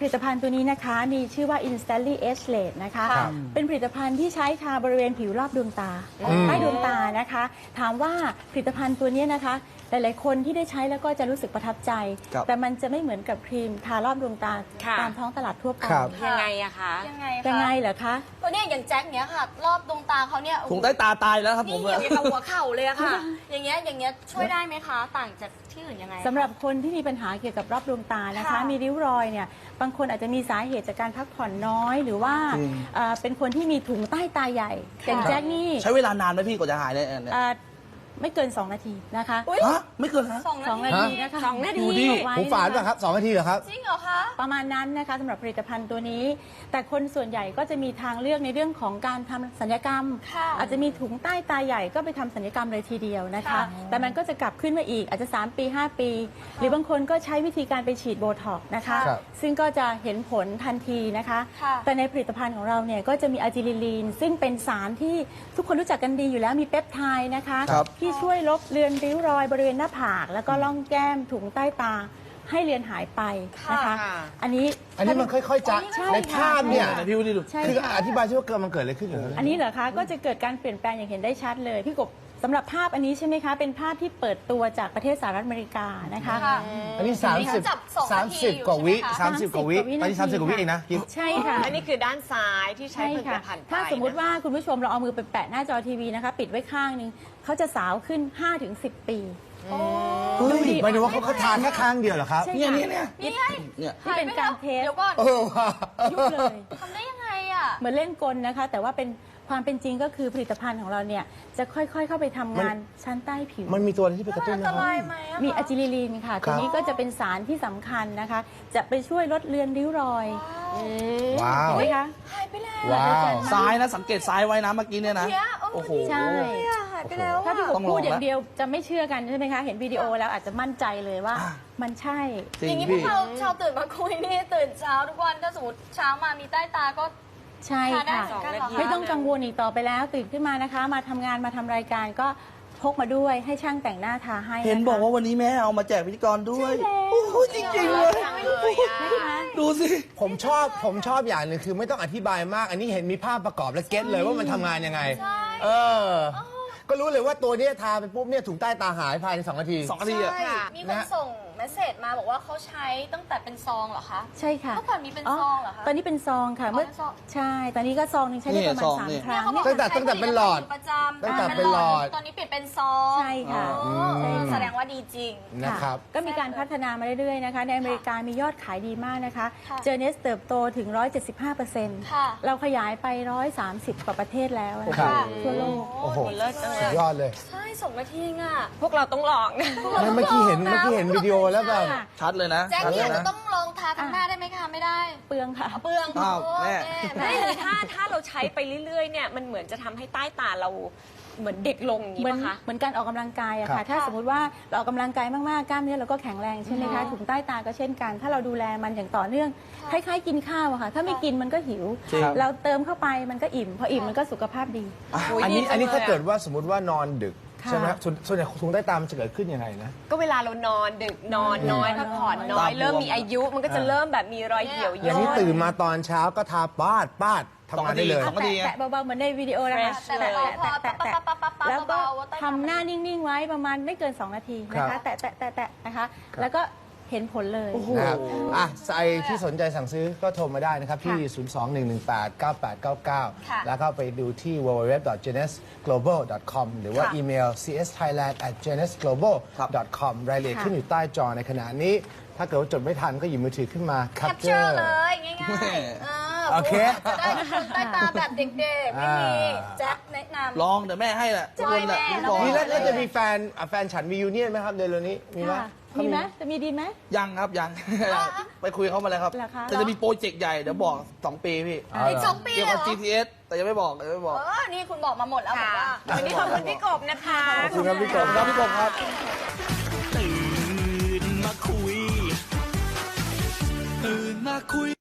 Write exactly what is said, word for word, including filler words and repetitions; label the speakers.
Speaker 1: ผลิตภัณฑ์ตัวนี้นะคะมีชื่อว่า Instantly Age Late นะคะเป็นผลิตภัณฑ์ที่ใช้ทาบริเวณผิวรอบดวงตาใต้ดวงตานะคะถามว่าผลิตภัณฑ์ตัวนี้นะคะหลายๆคนที่ได้ใช้แล้วก็จะรู้สึกประทับใจ แต่มันจะไม่เหมือนกับครีมทารอบดวงตาตามท้องตลาดทั่วไป
Speaker 2: ยังไงอะคะ
Speaker 1: ยังไงยังไงเหรอคะ
Speaker 3: ตัวนี้อย่างแจ็คเนี้ยค่ะรอบดวงตาเขาเนี่ย
Speaker 4: ถุงใต้ตาตายแล้วครับผม
Speaker 3: นี่อย่างกับหัวเข่าเลยอะค่ะอย่างเงี้ยอย่างเงี้ยช่วยได้ไหมคะต่างจากที่อื่นยังไง
Speaker 1: สำหรับคนที่มีปัญหาเกี่ยวกับรอบดวงตานะคะมีริ้วรอยเนี่ยบางคนอาจจะมีสาเหตุจากการพักผ่อนน้อยหรือว่าเป็นคนที่มีถุงใต้ตาใหญ่อย่างแจ็คนี่
Speaker 4: ใช้เวลานานไหมพี่กว่าจะหายเนี่ย
Speaker 1: ไม่เกินสองนาทีนะคะ
Speaker 4: ฮะไม่เกินฮะ
Speaker 1: สองนาทีนะคะ
Speaker 2: สองนาที
Speaker 5: หูฝาดป่ะครับสองนาทีเหรอครับ
Speaker 3: จริงเหรอคะ
Speaker 1: ประมาณนั้นนะคะสำหรับผลิตภัณฑ์ตัวนี้ แต่คนส่วนใหญ่ก็จะมีทางเลือกในเรื่องของการทำศัลยกรรมอาจจะมีถุงใต้ตาใหญ่ก็ไปทำศัลยกรรมเลยทีเดียวนะคะแต่มันก็จะกลับขึ้นมาอีกอาจจะสามปีห้าปีหรือบางคนก็ใช้วิธีการไปฉีดโบท็อกซ์นะคะซึ่งก็จะเห็นผลทันทีนะคะแต่ในผลิตภัณฑ์ของเราเนี่ยก็จะมีอะจิลิลีนซึ่งเป็นสารที่ทุกคนรู้จักกันดีอยู่แล้วมีเปปไทด์นะคะที่ช่วยลบเลือนริ้วรอยบริเวณหน้าผากแล้วก็ล่องแก้มถุงใต้ตาให้เลือนหายไปนะคะอันนี้
Speaker 5: อันนี้มันค่อยๆจะในภาพเนี่ย
Speaker 4: พี่วิดีดู
Speaker 5: คืออธิบายช่ว่าเกิดมันเกิดอะไรขึ้นเหรอ
Speaker 1: อันนี้เหรอคะก็จะเกิดการเปลี่ยนแปลงอย่างเห็นได้ชัดเลยพี่กบสำหรับภาพอันนี้ใช่ไหมคะเป็นภาพที่เปิดตัวจากประเทศสหรัฐอเมริกานะคะ
Speaker 5: อันนี้สามสิบสามสิบกว่าวิสามสิบกว่าวิตอนนี้สามสิบกว่าวิเองนะ
Speaker 1: ใช่ค่ะ
Speaker 2: อันนี้คือด้านซ้ายที่ใช้ผลิตภัณฑ์
Speaker 1: ถ้าสมมุติว่าคุณผู้ชมเราเอามือไปแปะหน้าจอทีวีนะคะปิดไว้ข้างนึงเขาจะสาวขึ้น ห้าถึงสิบ ปี
Speaker 5: ดูดิหมายถึงว่าเขาทานแค่ข้างเดียวเหรอครับ
Speaker 4: เนี่ยเนี่ยเนี่ย
Speaker 1: เนี่ยที่เป็นการเทส
Speaker 5: เออว่ะ
Speaker 1: ยุบเลย
Speaker 3: ทำได้ยังไงอ่ะ
Speaker 1: เหมือนเล่นกลนะคะแต่ว่าเป็นความเป็นจริงก็คือผลิตภัณฑ์ของเราเนี่ยจะค่อยๆเข้าไปทำงานชั้นใต้ผิว
Speaker 5: มันมีตัวที่ไปกระตุ้นนะครับ
Speaker 1: มีอะจิลิลีนค่ะตัวนี้ก็จะเป็นสารที่สำคัญนะคะจะไปช่วยลดเลือนริ้วรอย
Speaker 5: ว้าว
Speaker 1: เห็นไหมคะ
Speaker 3: หายไปแล้ว
Speaker 5: ว้าว
Speaker 4: ซ้ายนะสังเกตซ้ายไว้นะเมื่อกี้เนี่ยนะโอ้โห
Speaker 1: ใช่
Speaker 3: หายไปแล้ว
Speaker 1: ถ้าพี่กบพูดอย่างเดียวจะไม่เชื่อกันใช่ไหมคะเห็นวิดีโอแล้วอาจจะมั่นใจเลยว่ามันใช่
Speaker 3: อย่างนี้พวกเราชาวตื่นมาคุยนี่ตื่นเช้าทุกวันถ้าสมมติเช้ามามีใต้ตาก็
Speaker 1: ใช่ค่ะไม่ต้องกังวลอีกต่อไปแล้วตื่นขึ้นมานะคะมาทำงานมาทำรายการก็พกมาด้วยให้ช่างแต่งหน้าทาให้
Speaker 4: เห็นบอกว่าวันนี้แม่เอามาแจกพิธีกรด้วยโอ้โหจริงๆเลยดูสิ
Speaker 5: ผมชอบผมชอบอย่างหนึ่งคือไม่ต้องอธิบายมากอันนี้เห็นมีภาพประกอบและเก็ตเลยว่ามันทำงานยังไงเออก็รู้เลยว่าตัวนี้ทาไปปุ๊บเนี่ยถุงใต้ตาหายภายในสองนาที
Speaker 4: สองนาทีอ่ะ
Speaker 3: มีคนส่งเมสเซจมาบอกว่าเขาใช้ตั้งแต่เป็นซองเหรอคะ
Speaker 1: ใช่ค่ะ
Speaker 3: เมื่อก่อนมีเป็นซองเหรอคะ
Speaker 1: ตอนนี้เป็นซองค่ะเมื่อใช่ตอนนี้ก็ซองนึงใช้ได้ประมาณสามครั้ง
Speaker 5: ตั้งแต่ตั้งแต่เป็นหลอด
Speaker 3: ประจำ
Speaker 5: ตั้งแต่เป็นหลอด
Speaker 3: ตอนนี้เปลี่ยนเป็นซอง
Speaker 1: ใช่ค่ะ
Speaker 3: แสดงว่าดีจริง
Speaker 5: นะครับ
Speaker 1: ก็มีการพัฒนามาเรื่อยๆนะคะในอเมริกามียอดขายดีมากนะคะเจอเนสเติบโตถึง หนึ่งร้อยเจ็ดสิบห้าเปอร์เซ็นต์ เราขยายไปหนึ่งร้อยสามสิบกว่าประเทศแล้วนะคะทั่วโลก
Speaker 5: โอ้โหสุดยอดเลย
Speaker 3: ใช่สองนาทีอ่ะ
Speaker 2: พวกเราต้องลองนะ
Speaker 5: เมื่อกี้เห็นเมื่อกี้เห็นวิดีโอแล้วแบบ
Speaker 4: ชัดเลยนะ
Speaker 3: แจ็คเนี่ยจะต้องลองทาทั้งหน้าได้ไหมคะไม่ได้
Speaker 1: เปลืองค่ะ
Speaker 3: เปลือง
Speaker 4: อ้าวแม่
Speaker 2: ไม่ถ้าถ้าเราใช้ไปเรื่อยๆเนี่ยมันเหมือนจะทำให้ใต้ตาเราเหมือนเด็กลงอย่างนี้ป่ะคะ
Speaker 1: เหมือนการออกกำลังกายอะค่ะถ้าสมมติว่าเราออกกำลังกายมากๆกล้ามเนื้อเราก็แข็งแรงใช่ไหมคะถุงใต้ตาก็เช่นกันถ้าเราดูแลมันอย่างต่อเนื่องคล้ายๆกินข้าวอะค่ะถ้าไม่กินมันก็หิวเราเติมเข้าไปมันก็อิ่มพออิ่มมันก็สุขภาพดี
Speaker 5: อันนี้อันนี้ถ้าเกิดว่าสมมติว่านอนดึกใช่ไหมส่วนใหญ่ถุงใต้ตามันจะเกิดขึ้นยังไงนะ
Speaker 2: ก็เวลาเรานอนดึกนอนน้อยพักผ่อนน้อยเริ่มมีอายุมันก็จะเริ่มแบบมีรอยเหี่ยวย่น
Speaker 5: อย่างนี้ตื่นมาตอนเช้าก็ทาปาดปาดทำงานได้เลย
Speaker 1: แตะเบาๆเหมือนในวิดีโอนะคะแตะแตะแตะแล้วก็ทำหน้านิ่งๆไว้ประมาณไม่เกินสองนาทีนะคะแตะแตะแตะแตะนะคะแล้วก็เห็นผลเลย
Speaker 5: นะครับอ่ะใครที่สนใจสั่งซื้อก็โทรมาได้นะครับที่ ศูนย์ สอง หนึ่ง หนึ่ง แปด เก้า แปด เก้า เก้า แล้วก็ไปดูที่ ดับเบิลยู ดับเบิลยู ดับเบิลยู ดอท เจเนส โกลบอล ดอท คอม หรือว่าอีเมล ซี เอส ไทยแลนด์ แอท เจเนส โกลบอล ดอท คอม รายละเอียดขึ้นอยู่ใต้จอในขณะนี้ถ้าเกิดว่าจดไม่ทันก็หยิบมือถือขึ้นมา
Speaker 3: แคปเจอร์เลยง่ายๆ
Speaker 5: โอเค
Speaker 3: จะได้ใต้ตาแบบเด็กๆไม่มีแจ็คแนะนำ
Speaker 4: ลองเดี๋ยวแม่ให้แหละทุกคนแหละ
Speaker 5: นี่แล้วจะมีแฟนแฟนฉันมียูเนียนไหมครับเดือนนี้มีไหม
Speaker 1: มีไหมจะมีดีไหม
Speaker 4: ยังครับยังไปคุยเขามาเลยครับแต่จะมีโปรเจกต์ใหญ่เดี๋ยวบอกสองปีพี่
Speaker 3: อีกสองปี
Speaker 4: เกี่ยวกับ จี ที เอส แต่ยังไม่บอกยังไม่บอก
Speaker 3: เออนี่คุณบอกมาหมดแล้วบอกว่า
Speaker 2: วันนี้ขอบคุณพี่กบนะคะ
Speaker 5: ขอบคุณครับพี่กบ
Speaker 4: ครับพี่กบครับ
Speaker 6: ตื่นมาคุยตื่นมาคุย